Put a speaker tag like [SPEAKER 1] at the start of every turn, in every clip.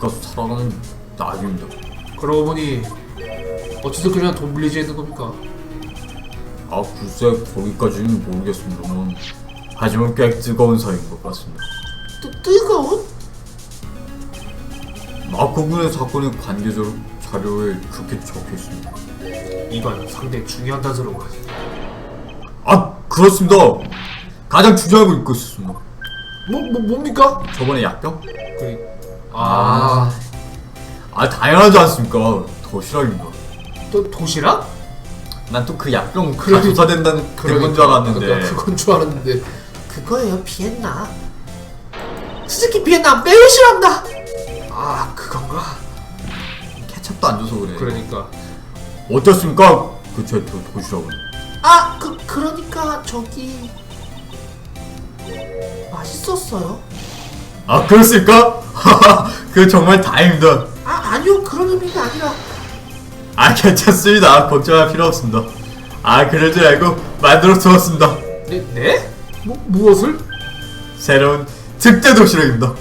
[SPEAKER 1] 기껏 살아가는 낙입니다.
[SPEAKER 2] 그러고 보니 어찌서 그냥 돈 빌리지 했는 겁니까?
[SPEAKER 1] 아 글쎄 거기까지는 모르겠습니다만 하지만 꽤 뜨거운 사이인 것 같습니다.
[SPEAKER 3] 뜨거운?
[SPEAKER 1] 마코군의 사건의 관계 자료에 그렇게 적혀있습니다.
[SPEAKER 2] 이건 상당히 중요한 단서로군.
[SPEAKER 1] 아 그렇습니다. 가장 중요한 걸 읽고 있었습니다.
[SPEAKER 2] 뭡니까?
[SPEAKER 1] 저번에 약병?
[SPEAKER 2] 아,
[SPEAKER 1] 당연하지 않습니까? 도시락입니다.
[SPEAKER 2] 또 도시락?
[SPEAKER 1] 난 또 그 약병 다 조사된다는 그건 줄 알았는데.
[SPEAKER 2] 그러니까 그건 줄 알았는데.
[SPEAKER 3] 그거예요, 비엔나. 스즈키 비엔나 매우 싫어한다.
[SPEAKER 2] 아, 그건가?
[SPEAKER 1] 케첩도 안 줘서 그래.
[SPEAKER 2] 그러니까.
[SPEAKER 1] 어떻습니까? 그 제 도시락은.
[SPEAKER 3] 아, 그러니까 저기 맛있었어요.
[SPEAKER 1] 아 그렇습니까? 그 정말 다행입니다.
[SPEAKER 3] 아니요, 그런 의미가 아니라.
[SPEAKER 1] 아 괜찮습니다. 걱정할 필요 없습니다. 아 그럴 줄 알고 만들어 두었습니다.
[SPEAKER 2] 네? 무엇을?
[SPEAKER 1] 새로운 특대 도시락입니다.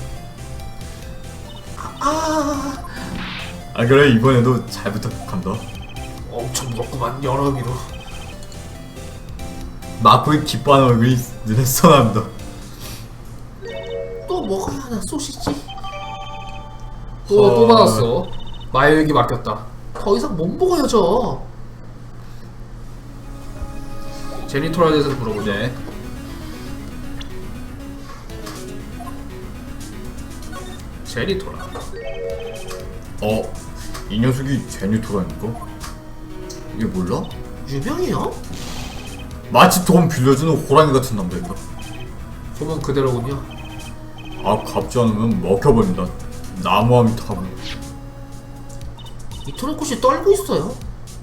[SPEAKER 1] 그래 이번에도 잘 부탁합니다.
[SPEAKER 2] 엄청 무겁구만, 여러 의미로.
[SPEAKER 1] 마코의 기뻐하는 얼굴이 눈에 선합니다.
[SPEAKER 3] 또 먹어야 하나, 소시지?
[SPEAKER 2] 또 받았어. 마요에게 맡겼다.
[SPEAKER 3] 더 이상 못 먹어요, 저.
[SPEAKER 2] 제니토라에 대해서 물어보자.
[SPEAKER 1] 네.
[SPEAKER 2] 제니토라.
[SPEAKER 1] 이 녀석이 제니토라니까? 이게 몰라?
[SPEAKER 3] 유명해요?
[SPEAKER 1] 마치 돈 빌려주는 호랑이 같은 남자입니다.
[SPEAKER 2] 소문 그대로군요.
[SPEAKER 1] 갚지 않으면 먹혀버린다. 나무함이 타고.
[SPEAKER 3] 이토리코시 떨고 있어요.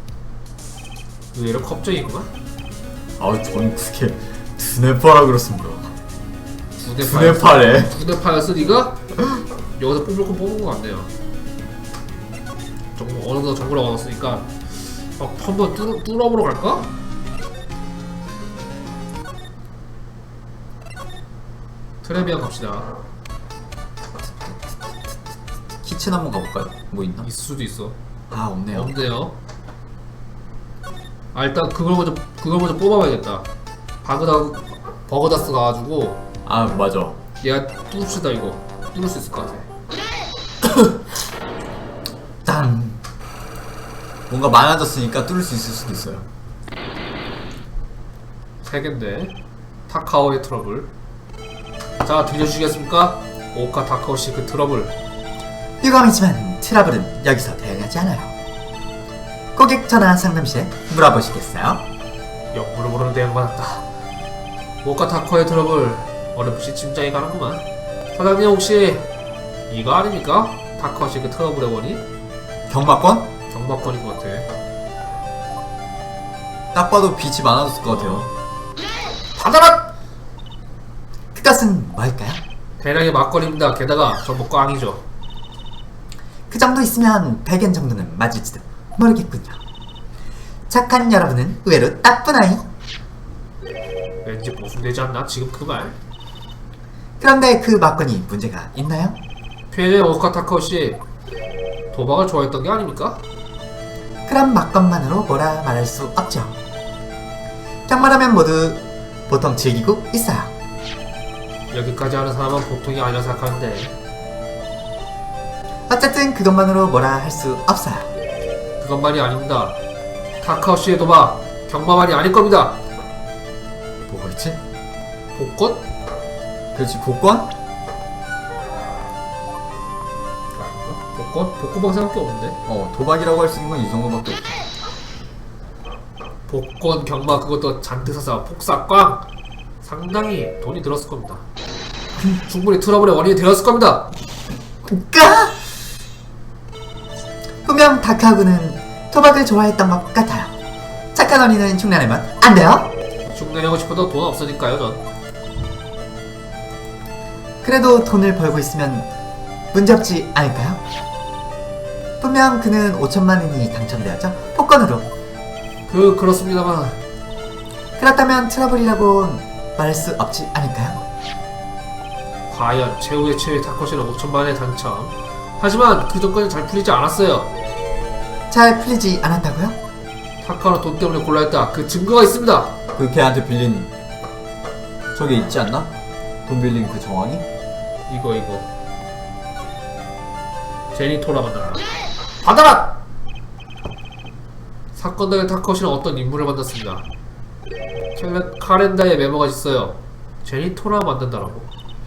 [SPEAKER 2] 의외로 겁쟁이구만.
[SPEAKER 1] 전 그게 두뇌파라 그렇습니다.
[SPEAKER 2] 두뇌파였어?
[SPEAKER 1] 두뇌파래.
[SPEAKER 2] 두뇌파였어 니가? 여기서 뽑을 건 뽑은 거 같네요. 어느 정도 정보를 얻었으니까 한번 뚫어보러 갈까? 트레비안 갑시다.
[SPEAKER 1] 키친 한번 가볼까요? 뭐 있나?
[SPEAKER 2] 있을 수도 있어.
[SPEAKER 1] 없네요.
[SPEAKER 2] 없네요. 일단 그걸 먼저 뽑아봐야겠다. 버그다스 가가지고
[SPEAKER 1] 맞아.
[SPEAKER 2] 얘가 뚫읍시다. 이거 뚫을 수 있을 것 같아.
[SPEAKER 1] 짠. 뭔가 많아졌으니까 뚫을 수 있을 수도 있어요.
[SPEAKER 2] 3개인데 타카오의 트러블. 자, 들려주시겠습니까? 오카 타카오씨 그 트러블.
[SPEAKER 4] 유감이지만 트러블은 여기서 대응하지 않아요. 고객 전화 상담실에 물어보시겠어요?
[SPEAKER 2] 역부를 모르는 대응받았다. 오카 타카오의 트러블 어렴풋이 짐작이 가는구만. 사장님 혹시 이거 아닙니까? 타카오씨 그 트러블의 원인?
[SPEAKER 1] 경마권?
[SPEAKER 2] 경박권인 것 같아.
[SPEAKER 1] 딱 봐도 빛이 많아졌을 것 같아요.
[SPEAKER 2] 받아라!
[SPEAKER 4] 그것은 뭘까요?
[SPEAKER 2] 대량의 막걸리입니다. 게다가 전부 꽝이죠.
[SPEAKER 4] 그 정도 있으면 100엔 정도는 맞을지도 모르겠군요. 착한 여러분은 의외로 나쁜 아이.
[SPEAKER 2] 왠지 모순되지 않나? 지금 그 말?
[SPEAKER 4] 그런데 그 막건이 문제가 있나요?
[SPEAKER 2] 피해자의 오카 타카오씨 도박을 좋아했던 게 아닙니까?
[SPEAKER 4] 그런 막건만으로 뭐라 말할 수 없죠. 경마라면 모두 보통 즐기고 있어요.
[SPEAKER 2] 여기까지 하는 사람은 보통이 아니라 생각하는데
[SPEAKER 4] 어쨌든 그것만으로 뭐라 할 수 없어요.
[SPEAKER 2] 그것만이 아닙니다. 타카오씨의 도박 경마만이 아닐 겁니다.
[SPEAKER 1] 뭐가 있지?
[SPEAKER 2] 복권?
[SPEAKER 1] 그렇지 복권?
[SPEAKER 2] 아닌가? 복권? 복권방 생각이 없는데?
[SPEAKER 1] 도박이라고 할 수 있는 건 이 정도밖에 없어.
[SPEAKER 2] 복권, 경마 그것도 잔뜩 사서 폭삭 꽝! 상당히 돈이 들었을 겁니다. 충분히 트러블의 원인이 되었을 겁니다.
[SPEAKER 4] 까! 분명 다카구는 도박을 좋아했던 것 같아요. 착한 어린이는 흉내내면 안 돼요?
[SPEAKER 2] 흉내내고 싶어도 돈 없으니까요 전.
[SPEAKER 4] 그래도 돈을 벌고 있으면 문제없지 않을까요? 분명 그는 5천만 원이 당첨되었죠? 복권으로.
[SPEAKER 2] 그렇습니다만
[SPEAKER 4] 그렇다면 트러블이라고 말할 수 없지 않을까요?
[SPEAKER 2] 과연 최후의 최후의 타코시는 5천만원에 당첨 하지만 그 전까지 잘 풀리지 않았어요.
[SPEAKER 4] 잘 풀리지 않았다고요?
[SPEAKER 2] 타카는 돈 때문에 골라 했다. 그 증거가 있습니다.
[SPEAKER 1] 그 걔한테 빌린 저게 있지 않나? 돈 빌린 그 정황이?
[SPEAKER 2] 이거 제니토라 만나라. 받아라! 사건 당일 타카시는 어떤 인물을 만났습니다. 카렌다에 메모가 있어요. 제니토라 만든다라고.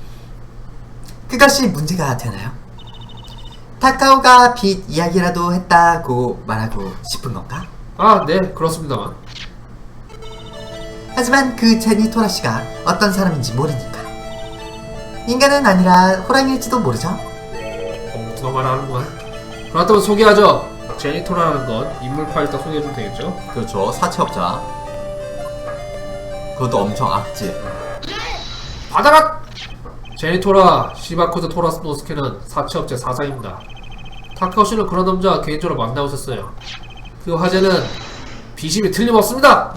[SPEAKER 4] 그것이 문제가 되나요? 타카오가 빚 이야기라도 했다고 말하고 싶은 건가?
[SPEAKER 2] 아, 네, 그렇습니다만.
[SPEAKER 4] 하지만 그 제니토라 씨가 어떤 사람인지 모르니까. 인간은 아니라 호랑이일지도 모르죠.
[SPEAKER 2] 누가 말하는구만. 그렇다면 소개하죠. 제니토라는 건 인물 파일 딱 소개해주면 되겠죠?
[SPEAKER 1] 그렇죠. 사채업자. 그것도 엄청 악질.
[SPEAKER 2] 받아라! 제니토라 시바코즈 토라스노스케는 사채업체 사장입니다. 타카오시는 그런 남자 개인적으로 만나고 있었어요. 그 화제는 비심이 틀림없습니다!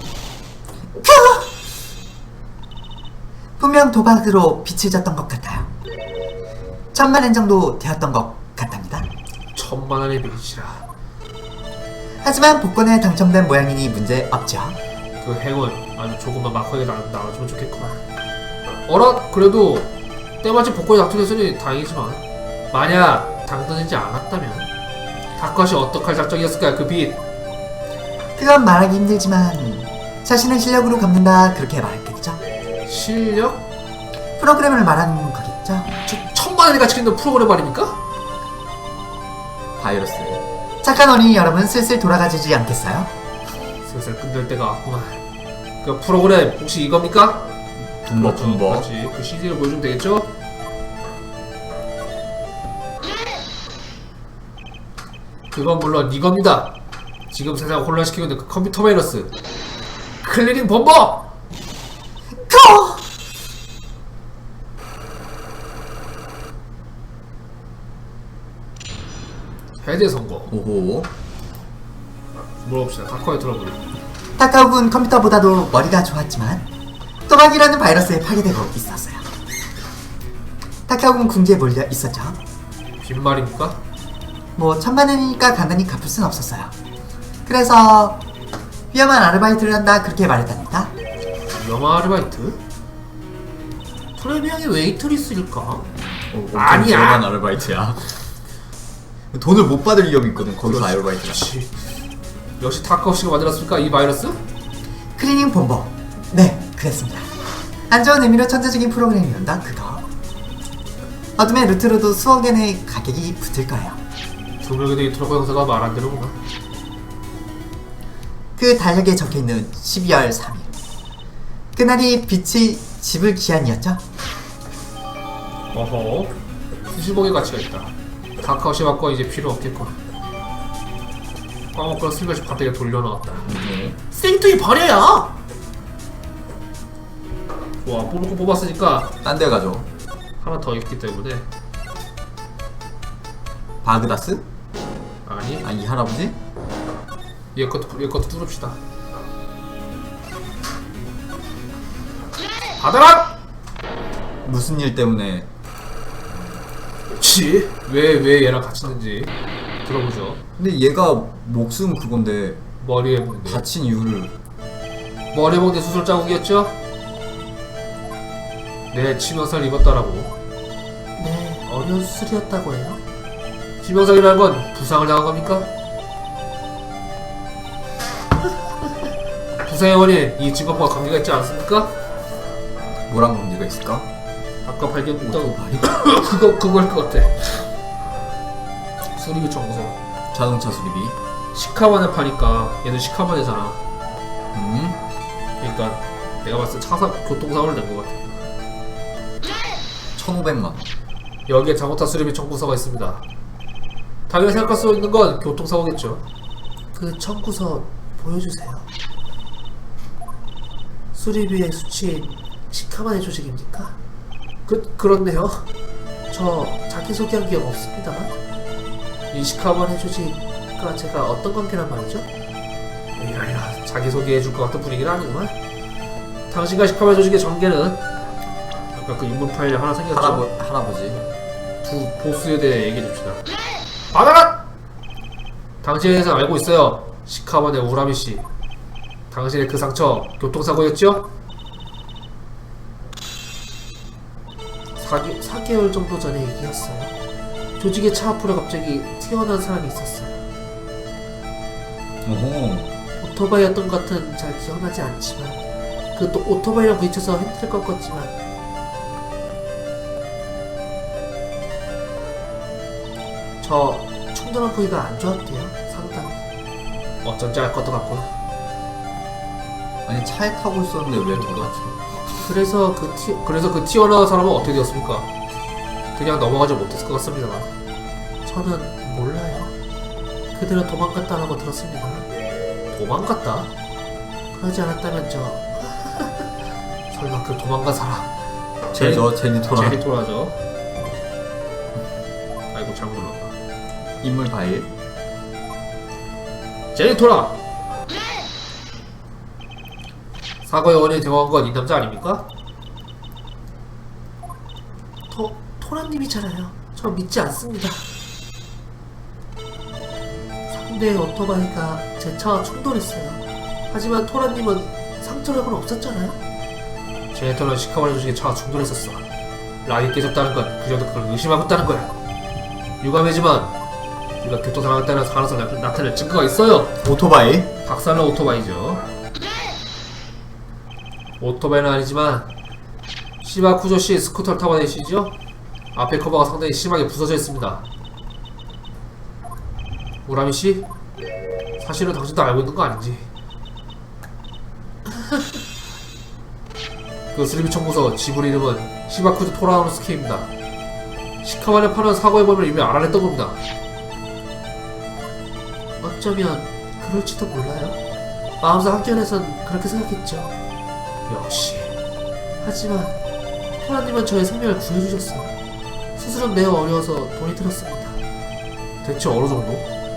[SPEAKER 4] 분명 도박으로 빚을 졌던 것 같아요. 1000만 엔 정도 되었던 것 같답니다.
[SPEAKER 2] 1000만원의 빚이라.
[SPEAKER 4] 하지만 복권에 당첨된 모양이니 문제 없죠.
[SPEAKER 2] 그 행운 아주 조금만 막하게 나와주면 좋겠구만. 어라? 그래도 때마침 복권이 당첨됐으니 다행이지만 만약 당첨되지 않았다면 타카오시 어떡할 작정이었을까요? 그 빚.
[SPEAKER 4] 그건 말하기 힘들지만 자신의 실력으로 갚는다 그렇게 말했겠죠.
[SPEAKER 2] 실력?
[SPEAKER 4] 프로그램을 말하는 거겠죠.
[SPEAKER 2] 저 1000만원이 가치 있는 프로그램 말입니까?
[SPEAKER 1] 바이러스.
[SPEAKER 4] 착한 어린이 여러분 슬슬 돌아가지지 않겠어요?
[SPEAKER 2] 슬슬 끝낼 때가 왔구만. 그 프로그램 혹시 이겁니까?
[SPEAKER 1] 분버 분버.
[SPEAKER 2] 그렇지. 그 CD를 보여주면 되겠죠? 그건 물론 이겁니다. 지금 세상을 혼란시키고 있는 그 컴퓨터 바이러스 클리닝 범버! 해제 성공.
[SPEAKER 1] 오호.
[SPEAKER 2] 물어봅시다. 다커의 트러블.
[SPEAKER 4] 타카오군 컴퓨터보다도 머리가 좋았지만 도박이라는 바이러스에 파괴되고 있었어요. 타카오군 궁지에 몰려 있었죠.
[SPEAKER 2] 빈말입니까?
[SPEAKER 4] 뭐 1000만 원이니까 간단히 갚을 순 없었어요. 그래서 위험한 아르바이트를 한다 그렇게 말했답니다.
[SPEAKER 2] 위험한 아르바이트?
[SPEAKER 3] 프레미엄이 웨이트리스일까?
[SPEAKER 2] 아니야.
[SPEAKER 1] 위험한 아르바이트야. 돈을 못 받을 위험이 있거든. 거기서 아르바이트가.
[SPEAKER 2] 그렇지. 역시 타카오씨가 만들었습니까? 이 바이러스?
[SPEAKER 4] 클리닝 본버. 네, 그랬습니다. 안 좋은 의미로 천재적인 프로그램이란다 그거. 어둠의 루트로도 수억 엔의 가격이 붙을 거예요.
[SPEAKER 2] 두 명의 데이트라고 형사가 말 안 되는구나.
[SPEAKER 4] 그 달력에 적혀있는 12월 3일 그날이 빛의 집을 기한이었죠.
[SPEAKER 2] 어허. 수십억의 가치가 있다. 타카오씨 바꿔 이제 필요 없겠군. 까먹거나 슬며시 바닥에 돌려놓았다.
[SPEAKER 3] 생뚱이 버려요.
[SPEAKER 2] 좋아. 뽑을 거 뽑았으니까
[SPEAKER 1] 딴 데 가죠.
[SPEAKER 2] 하나 더 있기 때문에.
[SPEAKER 1] 바그다스?
[SPEAKER 2] 아니,
[SPEAKER 1] 아, 이 할아버지?
[SPEAKER 2] 얘 것도 뚫읍시다. 받아라!
[SPEAKER 1] 무슨 일 때문에?
[SPEAKER 2] 그치? 왜 얘랑 같이 있는지 들어보죠.
[SPEAKER 1] 근데 얘가 목숨 그건데
[SPEAKER 2] 머리에 문제.
[SPEAKER 1] 다친 이유를.
[SPEAKER 2] 머리에 몽대 수술 자국이었죠? 네, 치명상을 입었다라고.
[SPEAKER 3] 네, 어려운 수술이었다고 해요.
[SPEAKER 2] 치명상이라는 건 부상을 당한 겁니까? 부상의 원인, 이 직업과 관계가 있지 않습니까?
[SPEAKER 1] 뭐랑 관계가 있을까?
[SPEAKER 2] 아까 발견했던
[SPEAKER 1] 오토바이?
[SPEAKER 2] 그거일 것 같아. 수리비 청소.
[SPEAKER 1] 자동차 수리비.
[SPEAKER 2] 시카만에 파니까 얘는 시카만이잖아.
[SPEAKER 1] 음?
[SPEAKER 2] 그러니까 내가 봤을 때 교통사고를 낸 것 같아.
[SPEAKER 1] 1500만.
[SPEAKER 2] 여기에 잘못한 수리비 청구서가 있습니다. 당연히 생각할 수 있는 건 교통사고겠죠.
[SPEAKER 3] 그 청구서 보여주세요. 수리비의 수치인 시카만의 조직입니까?
[SPEAKER 2] 그렇네요.
[SPEAKER 3] 저 자기소개한 기억 없습니다. 이 시카만의 조직과 제가 어떤 관계란 말이죠?
[SPEAKER 2] 이게 아니라 자기소개해줄 것 같은 분위기는 아니구만. 당신과 시카만 조직의 전개는 아까 그 인물 파일이 하나 생겼죠?
[SPEAKER 1] 할아버지.
[SPEAKER 2] 두 보스에 대해 얘기해줍시다. 받아라! 당신에 대해서 알고 있어요. 시카반의 우라미 씨. 당신의 그 상처 교통사고였죠?
[SPEAKER 3] 4개월 정도 전의 얘기였어요. 조직의 차 앞으로 갑자기 튀어나온 사람이 있었어요.
[SPEAKER 1] 오호.
[SPEAKER 3] 오토바이였던 것 같은 잘 기억나지 않지만 그 또 오토바이랑 부딪혀서 핸들을 꺾었지만 저 충돌한 부위가 안 좋았대요. 상당히.
[SPEAKER 2] 어쩐지 알 것도 같고.
[SPEAKER 1] 아니 차에 타고 있었는데 왜 돌았죠?
[SPEAKER 3] 그래서
[SPEAKER 2] 그 튀어나온 사람은 어떻게 되었습니까? 그냥 넘어가지 못했을 것 같습니다만.
[SPEAKER 3] 저는 몰라요. 그들은 도망갔다라고 들었습니다.
[SPEAKER 2] 도망갔다?
[SPEAKER 3] 그러지 않았다면 저
[SPEAKER 2] 설마 그 도망간 사람
[SPEAKER 1] 제니토라.
[SPEAKER 2] 제니토라죠. 아이고 잘못 눌렀다.
[SPEAKER 1] 인물 바일.
[SPEAKER 2] 제니토라! 사고의 원인이 되어간 건 이 남자 아닙니까?
[SPEAKER 3] 토라님이잖아요. 저 믿지 않습니다. 상대의 오토바이가 제 차와 충돌했어요. 하지만 토라님은 상처력은 없었잖아요.
[SPEAKER 2] 제니토는 시카바리 조직에 차와 충돌했었어. 락이 깨졌다는 건 그녀도 그걸 의심하고 있다는 거야. 유감이지만 우리가 교통사고에 따른 가능성이 나타낼 증거가 있어요.
[SPEAKER 1] 오토바이.
[SPEAKER 2] 박살난 오토바이죠. 오토바이는 아니지만 시바쿠조씨 스쿠터를 타고 다니시죠? 앞에 커버가 상당히 심하게 부서져 있습니다. 우라미씨? 사실은 당신도 알고 있는 거 아닌지. 그 슬리비 청구서 지불 이름은 시바쿠조 토라노스케입니다. 시카만에 파는 사고의 범위를 이미 알아냈던 겁니다.
[SPEAKER 3] 어쩌면 그럴지도 몰라요. 마음속 한켠에선 그렇게 생각했죠.
[SPEAKER 2] 역시
[SPEAKER 3] 하지만 토라님은 저의 생명을 구해주셨어요. 수술은 매우 어려워서 돈이 들었습니다.
[SPEAKER 2] 대체 어느 정도?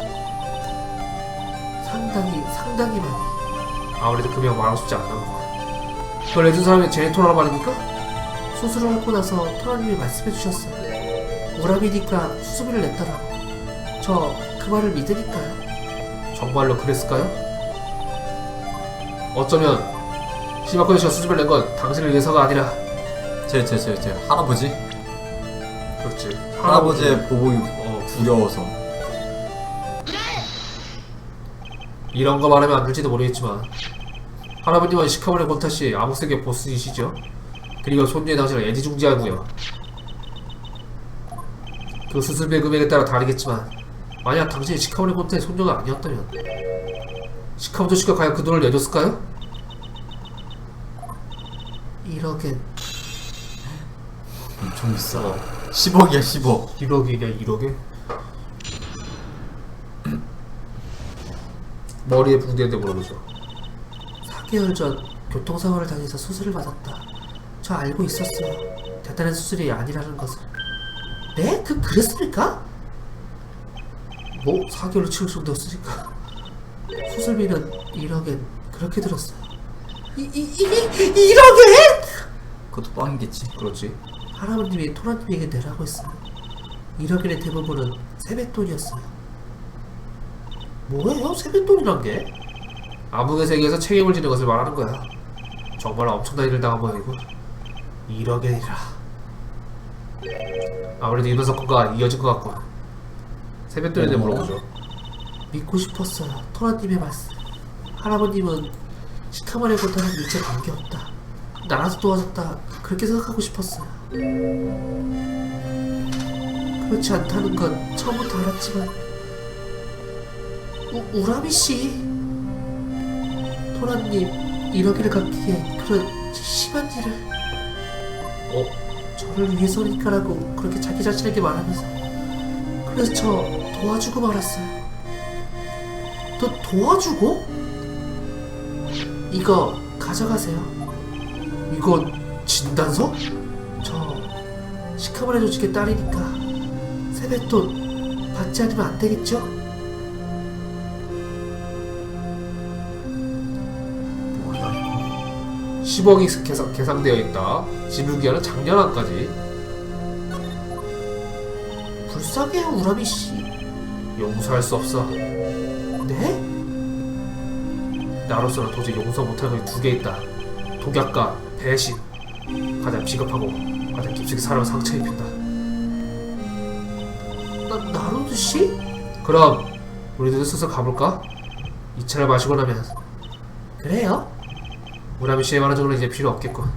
[SPEAKER 3] 상당히 많이.
[SPEAKER 2] 아무래도 금액 말하고 싶지 않나 보다. 그걸 내준 사람이 제니토라란 말입니까?
[SPEAKER 3] 수술을 하고 나서 토라님이 말씀해주셨어요. 우라비니까 수수비를 냈다라고. 저 그 말을 믿으니까요.
[SPEAKER 2] 정말로 그랬을까요? 어쩌면 시바코니 씨가 수줍을 낸 건 당신을 위해서가 아니라
[SPEAKER 1] 제 할아버지.
[SPEAKER 2] 그렇지
[SPEAKER 1] 할아버지의 보복이 두려워서.
[SPEAKER 2] 이런 거 말하면 안 될지도 모르겠지만 할아버님은 시카모네 곤타씨 암흑색의 보스이시죠? 그리고 손녀의 당신을 애지중지하고요. 그 수술비 금액에 따라 다르겠지만 만약 당신이 시카모네 곤타의 손녀가 아니었다면 시카모토 씨가 과연 그 돈을 내줬을까요?
[SPEAKER 3] 1억엔
[SPEAKER 1] 엄청 비싸. 10억이야 10억.
[SPEAKER 2] 1억이냐 1억에? 머리에 붕대인데 물어보죠.
[SPEAKER 3] 4개월 전 교통사고를 당해서 수술을 받았다. 저 알고 있었어요. 대단한 수술이 아니라는 것을. 네? 그랬습니까?
[SPEAKER 2] 뭐 4개월로 치울 정도였으니까.
[SPEAKER 3] 수술비는 1억엔 그렇게 들었어요. 이게 1억엔?
[SPEAKER 1] 그것도 뻥이겠지.
[SPEAKER 2] 그렇지.
[SPEAKER 3] 할아버님이 토라님에게 내라고 했어요. 1억엔의 대부분은 세뱃돈이었어요. 뭐예요? 세뱃돈이란 게?
[SPEAKER 2] 암흑의 세계에서 책임을 지는 것을 말하는 거야. 정말 엄청난 일을 당한 모양이고 1억엔이라. 아무래도 이번 사건과 이어진 것 같고. 세뱃돈에 대해 물어보죠.
[SPEAKER 3] 믿고 싶었어요. 토라님의 말씀. 할아버님은 시카마레 고타는 일체 관계없다. 나라도 도와줬다. 그렇게 생각하고 싶었어요. 그렇지 않다는 건 처음부터 알았지만 우라미씨 토라님 1억이를 갚기에 그런 심한 일을 저를 위해서니까라고 그렇게 자기 자신에게 말하면서 그래서 저 도와주고 말았어요. 도와주고? 이거 가져가세요.
[SPEAKER 2] 이건 진단서?
[SPEAKER 3] 저 시카마레 조직의 딸이니까 세뱃돈 받지 않으면 안 되겠죠?
[SPEAKER 1] 뭐야 이거.
[SPEAKER 2] 10억이 계산되어 있다. 지불기한은 작년 안까지.
[SPEAKER 3] 불쌍해요 우라미씨.
[SPEAKER 2] 용서할 수 없어.
[SPEAKER 3] 네?
[SPEAKER 2] 나로서는 도저히 용서 못할 것이 두 개 있다. 독약과 배신. 가장 비겁하고 가장 깊숙이 사람을 상처 입힌다.
[SPEAKER 3] 나루도 씨?
[SPEAKER 2] 그럼 우리도 슬슬 가볼까? 이 차를 마시고 나면
[SPEAKER 3] 그래요?
[SPEAKER 2] 무라미 씨의 말한 정도는 이제 필요 없겠군.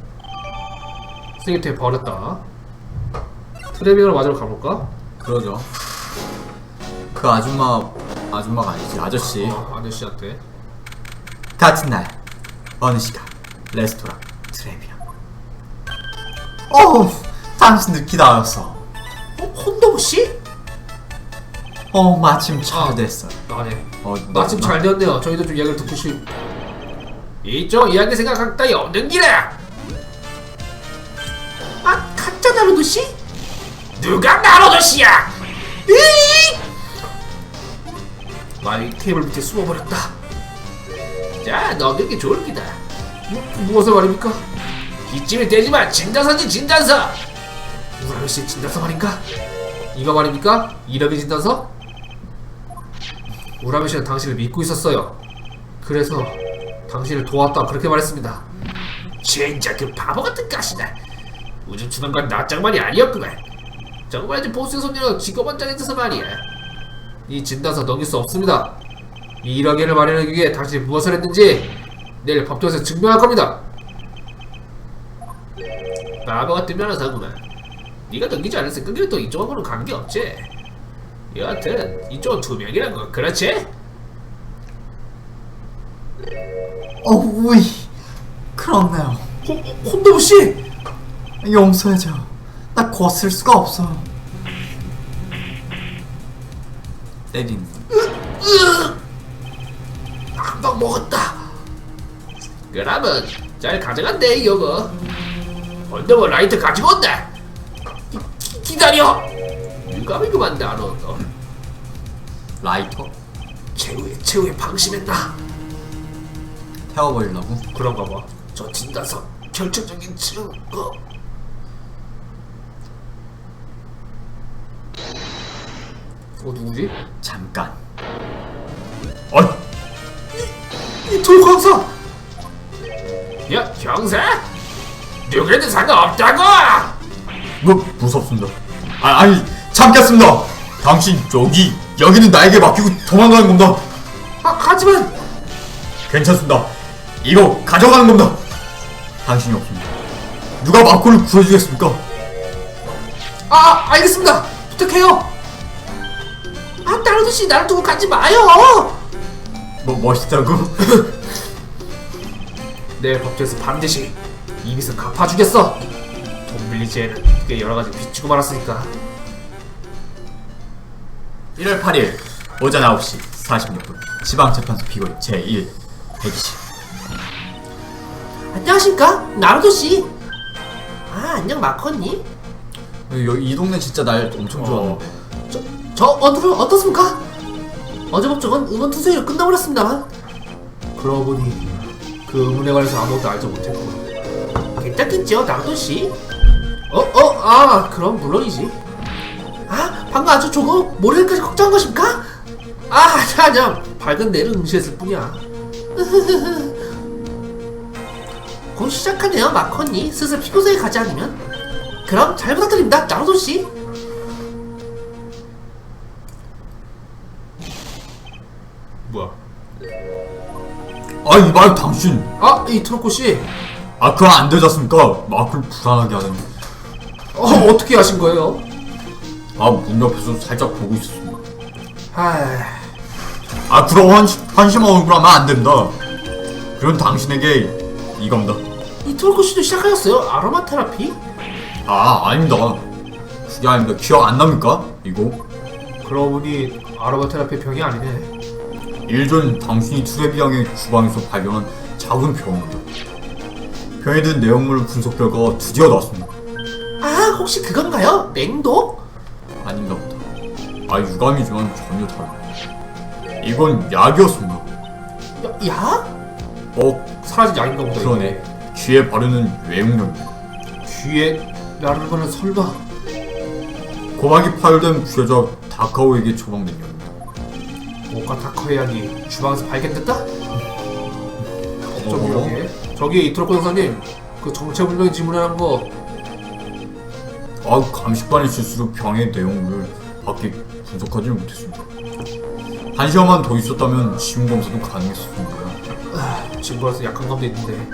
[SPEAKER 2] 쓰레기통에 버렸다. 트레비어를 맞으러 가볼까?
[SPEAKER 1] 그러죠. 그 아줌마가 아니지, 아저씨.
[SPEAKER 2] 아저씨한테.
[SPEAKER 4] 같은 날 어느 시간 레스토랑 트레비아. 당신들 기다렸어.
[SPEAKER 3] 혼도부 씨?
[SPEAKER 4] 마침 잘 됐어요.
[SPEAKER 2] 네.
[SPEAKER 1] 나-
[SPEAKER 2] 마침 잘 되었네요. 저희도 좀 이야기를 듣고 이쪽 이야기 생각할 따위 없는 길에.
[SPEAKER 3] 가짜 나루도 씨?
[SPEAKER 2] 누가 나로도 씨야? 마이 테이블 밑에 숨어버렸다. 자, 넘기기 좋을 기다. 무엇을 말입니까? 기침이 되지만 진단서지 진단서. 무라미 씨의 진단서 말인가? 이거 말입니까? 이름의 진단서? 무라미 씨는 당신을 믿고 있었어요. 그래서 당신을 도왔다 그렇게 말했습니다. 진짜 그 바보 같은 가시다. 우주 추방관 낯장만이 아니었구만. 정말이지 보스의 손님은 직업한 장에 있어서 말이야. 이 진단서 넘길 수 없습니다. 이 1억엔을 마련하기 위해 당신이 무엇을 했는지 내일 법정에서 증명할 겁니다. 바보 같은 변호사구만. 네가 넘기지 않았을 끈기는 또 이쪽하고는 관계없지. 여하튼 이쪽은 투명이라고, 그렇지?
[SPEAKER 4] 우이. 그렇네요.
[SPEAKER 3] 혼도부 씨?
[SPEAKER 4] 용서해줘. 나 거슬 수가 없어.
[SPEAKER 1] 때리는.
[SPEAKER 3] 한방 먹었다.
[SPEAKER 2] 그러면 잘 가져간대 이거. 언더버 라이트 가지고 온다. 기다려. 유감이구만 나너.
[SPEAKER 1] 라이터?
[SPEAKER 2] 최후에 방심했다.
[SPEAKER 1] 태워버리려고?
[SPEAKER 2] 그런가 봐. 저 진단서 결정적인 증거. 누구지?
[SPEAKER 1] 잠깐.
[SPEAKER 3] 이 돌광사!
[SPEAKER 2] 야, 형사? 누구에도 상관없다고!
[SPEAKER 1] 무섭습니다. 아니, 참겠습니다. 당신 여기는 나에게 맡기고 도망가는 겁니다.
[SPEAKER 3] 하지만
[SPEAKER 1] 괜찮습니다. 이거 가져가는 겁니다. 당신이 없습니다. 누가 마코를 구해주겠습니까?
[SPEAKER 3] 알겠습니다. 부탁해요. 나루도 씨 나를 두고 가지 마요.
[SPEAKER 1] 멋있다고?
[SPEAKER 2] 내일 법정에서 반드시 이 빚을 갚아주겠어. 돈 빌리지 애는 꽤 여러가지 빚지고 말았으니까.
[SPEAKER 1] 1월 8일 오전 9시 46분 지방재판소 피고인 제1 120.
[SPEAKER 3] 안녕하십니까 나루도 씨. 안녕 마커니.
[SPEAKER 1] 이 동네 진짜 날 엄청 좋아하는데.
[SPEAKER 3] 저 오늘은 어떻습니까? 어제 법정은 음원 투세로 끝나버렸습니다만.
[SPEAKER 2] 그러고 보니 그 의문에 관해서 아무것도 알지 못했고.
[SPEAKER 3] 괜찮겠죠 나루도 씨? 그럼 물론이지. 방금 아주 조금 모래까지 걱정한 것입니까? 그냥 밝은 내를 응시했을 뿐이야. 곧 시작하네요 마커니. 슬슬 피고소에 가지 않으면. 그럼 잘 부탁드립니다 나루도 씨.
[SPEAKER 2] 뭐야?
[SPEAKER 1] 아니 말 당신.
[SPEAKER 2] 이 트로코 씨.
[SPEAKER 1] 그거 안 되지 않습니까? 마크를 불안하게 하더니.
[SPEAKER 2] 어떻게 하신 거예요?
[SPEAKER 1] 문 옆에서 살짝 보고 있었습니다. 그럼 한심한 얼굴 하면 안 된다. 그런 당신에게 이겁니다.
[SPEAKER 3] 이 트로코 씨도 시작하셨어요? 아로마 테라피?
[SPEAKER 1] 아닙니다. 그게 아닙니다. 기억 안 납니까? 이거?
[SPEAKER 2] 그러고 보니 아로마 테라피 병이 아니네.
[SPEAKER 1] 일전 당신이 트레비앙의 주방에서 발견한 작은 병입니다. 병에 든 내용물 분석 결과가 드디어 나왔습니다.
[SPEAKER 3] 혹시 그건가요? 냉독?
[SPEAKER 1] 아닌가 보다. 유감이지만 전혀 다릅니다. 이건 약이었습니다.
[SPEAKER 3] 야?
[SPEAKER 2] 사라진 약인가 보다.
[SPEAKER 1] 그러네. 귀에 바르는 외용약입니다.
[SPEAKER 2] 귀에 나르는 거는 설마.
[SPEAKER 1] 고막이 파열된 부여자 다카오에게 처방된 약입니다.
[SPEAKER 2] 모카 타커의 약이 주방에서 발견됐다? 저기 이토로코 형사님 그 정체불명의 질문이라는 거
[SPEAKER 1] 감식반의 실수로 병의 내용을 밖에 분석하지 못했습니다. 한 시간만 더 있었다면 지문 검사도 가능했었습니다.
[SPEAKER 2] 증거라서 약한 감도 있는데.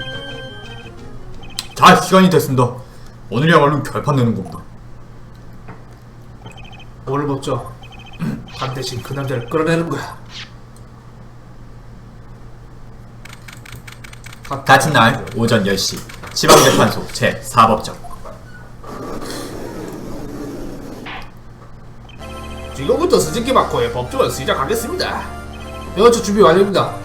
[SPEAKER 1] 자, 시간이 됐습니다. 오늘이야말로 결판 내는 겁니다.
[SPEAKER 2] 오늘 법정 반드시 그 남자를 끌어내는 거야.
[SPEAKER 1] 같은 날 오전 10시 지방재판소 제4법정.
[SPEAKER 2] 지금부터 스즈키 마코의 법정을 시작하겠습니다. 저 준비 완료입니다.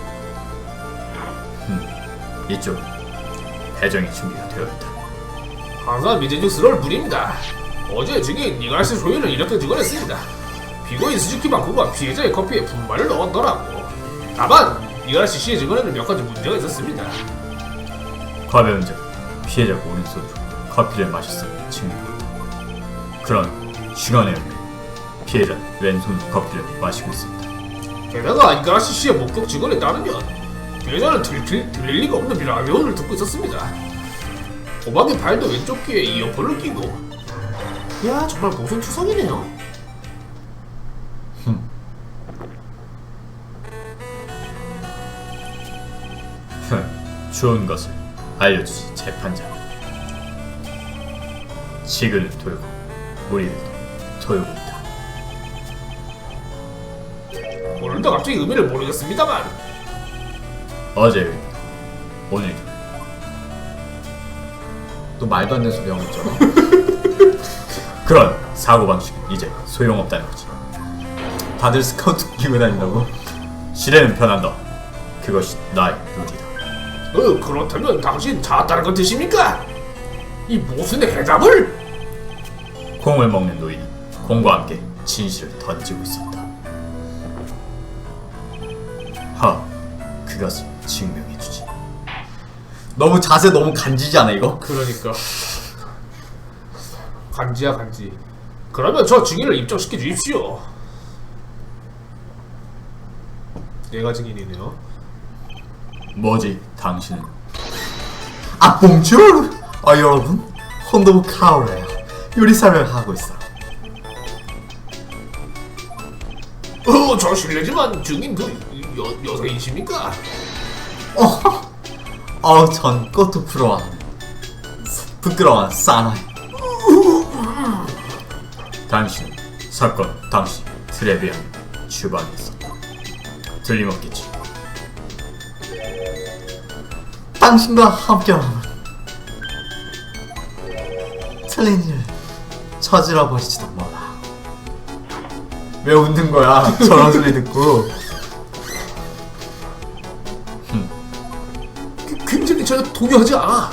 [SPEAKER 1] 이쪽 배정이 준비가 되어 있다.
[SPEAKER 2] 항상 미제죽스러울 뿐입니다. 어제 증인 이갈시 소유는 이렇게 증언했습니다. 피고인 스즈키 마코가 피해자의 커피에 분말을 넣었더라고. 다만 이갈시 씨의 증언에는 몇 가지 문제가 있었습니다.
[SPEAKER 1] 과배운 즉 피해자가 오른손으로 커피를 마셨음을 증명했다. 그런 시간에 피해자는 왼손으로 커피를 마시고 있었다.
[SPEAKER 2] 게다가 이갈시 씨의 목격 증언에 따르면 피해자는 들릴 리가 없는 라디오를 듣고 있었습니다. 도박의 발도 왼쪽 귀에 이어폰을 끼고. 야, 정말 모순 투성이네요.
[SPEAKER 1] 좋은 것을 알려주지 재판장. 지근을 돌고 우리를 돌고 있다.
[SPEAKER 2] 오늘도 갑자기 의미를 모르겠습니다만
[SPEAKER 1] 어제 의미, 오늘 또 말도 안 되는 소리 하고 있잖아. 그런 사고방식은 이제 소용없다는 거지. 다들 스카우트 끼고 다닌다고? 시대는 변한다. 그것이 나의 룰이다.
[SPEAKER 2] 그렇다면 당신 잤다는 건 뜻입니까? 이 모순의 해답을?
[SPEAKER 1] 콩을 먹는 노인은 콩과 함께 진실을 던지고 있었다. 그것을 증명해주지. 너무 자세 너무 간지지 않아 이거?
[SPEAKER 2] 그러니까 간지야 간지. 그러면 저 증인을 입증시켜 주십시오. 얘가 증인이네요.
[SPEAKER 1] 뭐지 당신은? 봉주르! 여러분, 혼도부 카오레야. 요리사를 하고 있어.
[SPEAKER 2] 저 실례지만 증인 여성이십니까?
[SPEAKER 1] 전 꽃도 부끄러워하는 사나이. 당신은 사건 당시 트레비안 주방에 있었다. 틀림없겠지.
[SPEAKER 4] 당신과 함께라면 틀린 일을 저질러 버리지도 몰라.
[SPEAKER 1] 왜 웃는 거야? 저런 소리 듣고.
[SPEAKER 2] 굉장히 전혀 동요하지 않아.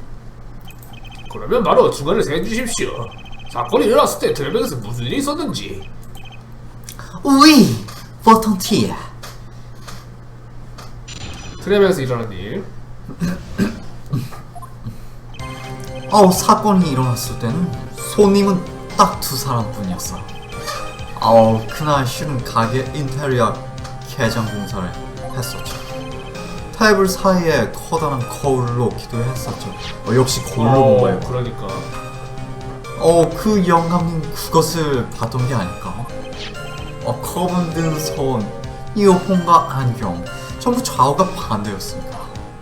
[SPEAKER 2] 그러면 바로 중간을 세주십시오. 사건이 일어났을 때 드레백에서 무슨 일이 있었는지.
[SPEAKER 4] 우이 보통 티야.
[SPEAKER 2] 트레백에서 일어난 일.
[SPEAKER 4] 사건이 일어났을 때는 손님은 딱 2사람뿐이었어. 그날 실은 가게 인테리어 개장 공사를 했었죠. 테이블 사이에 커다란 거울을 놓기도 했었죠. 역시 거울로 본 거예요.
[SPEAKER 2] 그러니까
[SPEAKER 4] 그 영감님 그것을 봤던 게 아닐까? 컵은 든 손, 이어폰과 안경 전부 좌우가 반대였습니다.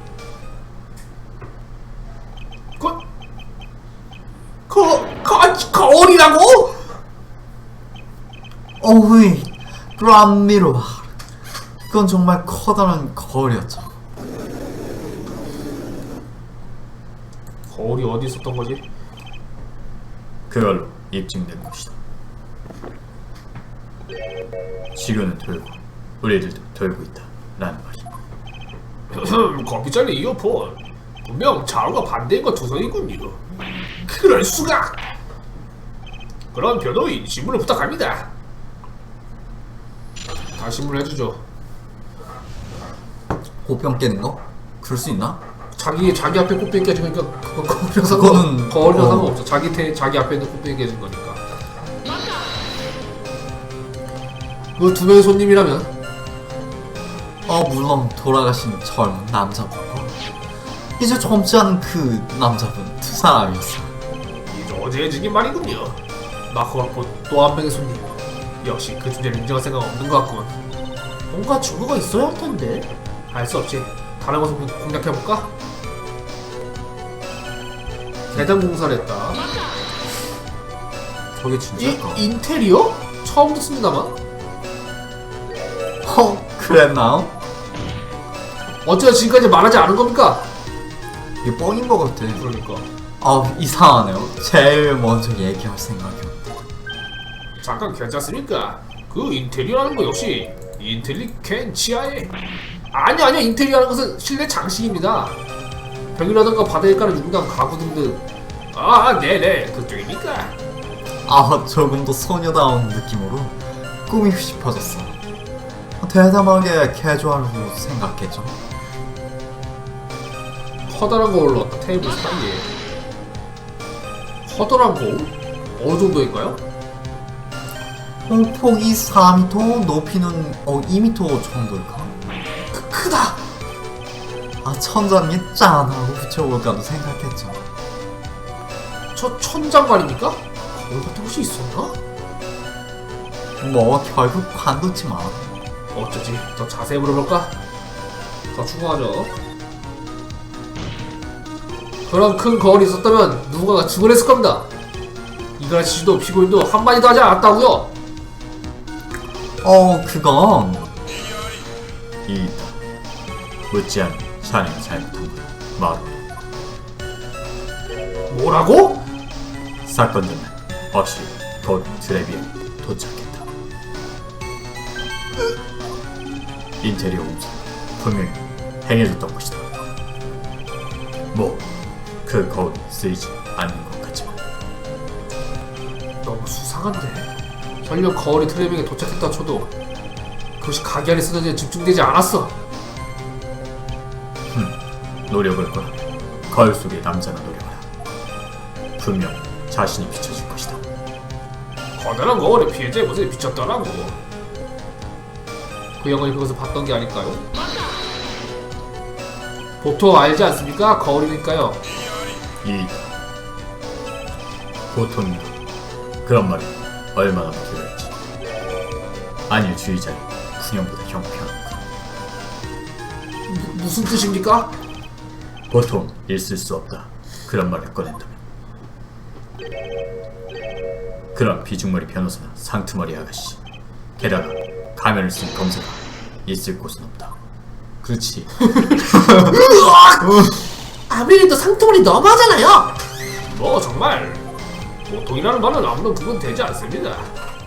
[SPEAKER 2] 거울이라고?
[SPEAKER 4] 어이, 그람미로. 그건 정말 커다란 거울이었죠.
[SPEAKER 2] 거울이 어디 있었던 거지?
[SPEAKER 1] 그걸로 입증된 것이다. 지구는 돌고 우리들도 돌고 있다 라는 말이야.
[SPEAKER 2] 커피 잔에 이어폰. 분명 좌우가 반대인 것 두성이군요. 그럴 수가. 그럼 변호인 신문을 부탁합니다. 다 신문을 해주죠.
[SPEAKER 4] 고평 깨는 거? 그럴 수 있나?
[SPEAKER 2] 자기 앞에 꽃병이 깨지니까 그거
[SPEAKER 4] 그거는
[SPEAKER 2] 거울이랑 상관없어. 자기 앞에 있는 꽃병이 깨진 거니까. 그 두 명의 손님이라면
[SPEAKER 4] 물론 돌아가신 젊은 남자분과 이제 젊지 않은 그 남자분 두 사람이었어.
[SPEAKER 2] 이저제해지긴 말이군요. 마커가 본 또 한 명의 손님. 역시 그 주제를 인정할 생각 없는 것 같군.
[SPEAKER 3] 뭔가 증거가 있어야 할 텐데.
[SPEAKER 2] 알 수 없지. 다른 것을 공략해볼까? 대장 공사를 했다.
[SPEAKER 4] 저게 진짜일까?
[SPEAKER 2] 인테리어? 처음 듣습니다만.
[SPEAKER 4] 그랬나?
[SPEAKER 2] 어째서 지금까지 말하지 않은 겁니까?
[SPEAKER 4] 이게 뻥인 것 같아.
[SPEAKER 2] 그러니까.
[SPEAKER 4] 이상하네요. 제일 먼저 얘기할 생각이었는데.
[SPEAKER 2] 잠깐 괜찮습니까? 그 인테리어라는 거 역시 인텔리겐치아의 아니요 인테리어라는 것은 실내 장식입니다. 벽이라던가 바닥에 깔은 유리랑 가구 등등. 네네 그쪽입니까?
[SPEAKER 4] 조금 더 소녀다운 느낌으로 꾸미고 싶어졌어. 대담하게 캐주얼로 생각했죠.
[SPEAKER 2] 커다란 거울로 왔다. 테이블 사이에 커다란 거울? 어느 정도일까요?
[SPEAKER 4] 폭이 4m, 높이는 2m 정도일까?
[SPEAKER 3] 크다.
[SPEAKER 4] 천장에 짠 하고 붙여볼까도 생각했죠.
[SPEAKER 2] 저 천장 말입니까? 거울 같은 곳이 있었나?
[SPEAKER 4] 결국 관뒀지만.
[SPEAKER 2] 어쩌지? 더 자세히 물어볼까? 더 추가하죠. 그런 큰 거울이 있었다면 누군가가 증언했을 겁니다. 이가라시 씨도 피고인도 한마디도 하지 않았다고요?
[SPEAKER 4] 그건
[SPEAKER 1] 이 묻지 않은 샤넬이 잘못한 거야. 마루.
[SPEAKER 2] 뭐라고?
[SPEAKER 1] 사건 전날 어시 곧 드레비에 도착했다. 인테리어 공사 분명히 행해줬던 것이다. 그 거울이 쓰이지 않는 것 같지만
[SPEAKER 2] 너무 수상한데. 설령 거울이 트레빙에 도착했다 쳐도 그것이 가게 안에 쓰러지에 집중되지 않았어.
[SPEAKER 1] 노력을 거라. 거울 속의 남자나 노력하라. 분명 자신이 비춰질 것이다.
[SPEAKER 2] 커다란 거울에 피해자의 모습이 비쳤더라고. 그 영혼이 그것을 봤던 게 아닐까요? 보통 알지 않습니까? 거울이니까요.
[SPEAKER 1] 보통이다. 그런 말이 얼마나 필요했지. 아니 주의자의 군형보다 형편없고
[SPEAKER 2] 무슨 뜻입니까?
[SPEAKER 1] 보통 있을 수 없다. 그런 말을 꺼낸다면 그런 비중머리 변호사나 상투머리 아가씨 게다가 가면을 쓴 검사가 있을 곳은 없다. 그렇지.
[SPEAKER 3] 아무래도 상투물이 너무하잖아요.
[SPEAKER 2] 뭐 정말 보통이라는 말은 아무런 구분 되지 않습니다.